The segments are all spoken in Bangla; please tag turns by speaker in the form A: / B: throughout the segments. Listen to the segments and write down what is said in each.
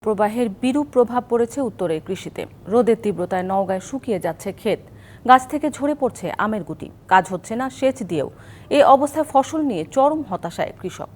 A: প্রবাহের বিরূপ প্রভাব পড়েছে উত্তরের কৃষিতে। রোদের তীব্রতায় নওগাঁয় শুকিয়ে যাচ্ছে ক্ষেত, গাছ থেকে ঝরে পড়ছে আমের গুটি, কাজ হচ্ছে না সেচ দিয়েও। এই অবস্থায় ফসল নিয়ে চরম হতাশায় কৃষক।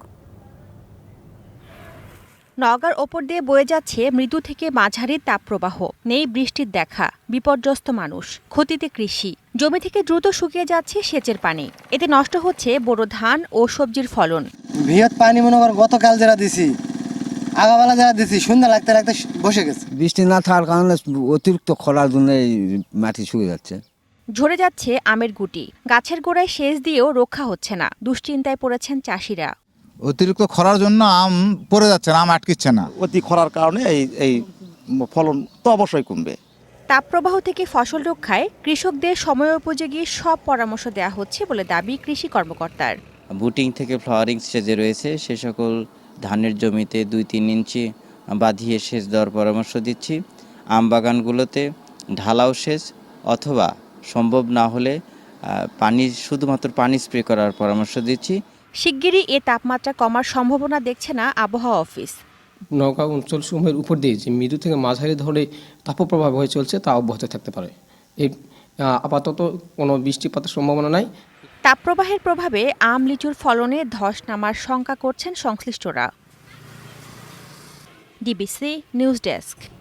B: নওগাঁর ওপর দিয়ে বয়ে যাচ্ছে মৃদু থেকে মাঝারি তাপপ্রবাহ, নেই বৃষ্টির দেখা, বিপর্যস্ত মানুষ, ক্ষতিতে কৃষি। জমি থেকে দ্রুত শুকিয়ে যাচ্ছে সেচের পানি, এতে নষ্ট হচ্ছে বোরো ধান ও সবজির ফলন।
C: বৃহৎ পানি মনে কর গতকাল যারা দিছি, আগাবেলা যারা দিছি, সন্ধ্যা লাগতে লাগতে বসে গেছে।
D: বৃষ্টি না থাকার কারণে অতিরিক্ত খরার জন্য এই মাটি শুকিয়ে যাচ্ছে।
B: ঝরে যাচ্ছে আমের গুটি, গাছের গোড়ায় সেচ দিয়েও রক্ষা হচ্ছে না। দুশ্চিন্তায় পড়েছেন চাষিরা।
E: অতিরিক্ত খরার জন্য আম পড়ে যাচ্ছে না, আম আটকিচ্ছে না।
F: অতি খরার কারণে এই ফলন তো অবশ্যই কমবে।
B: তাপপ্রবাহ থেকে ফসল রক্ষায় কৃষকদের সময়োপযোগী সব পরামর্শ দেওয়া হচ্ছে বলে দাবি কৃষি কর্মকর্তার।
G: বুটিং থেকে ফ্লাওয়ারিং স্টেজে রয়েছে সে সকল ধানের জমিতে 2-3 ইঞ্চি বাঁধিয়ে সেচ দেওয়ার পরামর্শ দিচ্ছি। আম বাগানগুলোতে ঢালাও সেচ অথবা সম্ভব না হলে শুধুমাত্র পানি স্প্রে করার পরামর্শ দিচ্ছি।
B: শিগগিরই এ তাপমাত্রা কমার সম্ভাবনা দেখছে না আবহাওয়া অফিস।
H: নওগাঁ অঞ্চলসমূহের উপর দিয়ে যে মৃদু থেকে মাঝারি ধরনের তাপপ্রবাহ হয়ে চলছে তা অব্যাহত থাকতে পারে। এই আপাতত কোনো বৃষ্টিপাতের সম্ভাবনা নাই।
B: তাপপ্রবাহের প্রভাবে আম লিচুর ফলনে ধস নামার শঙ্কা করছেন সংশ্লিষ্টরা। DBC news desk.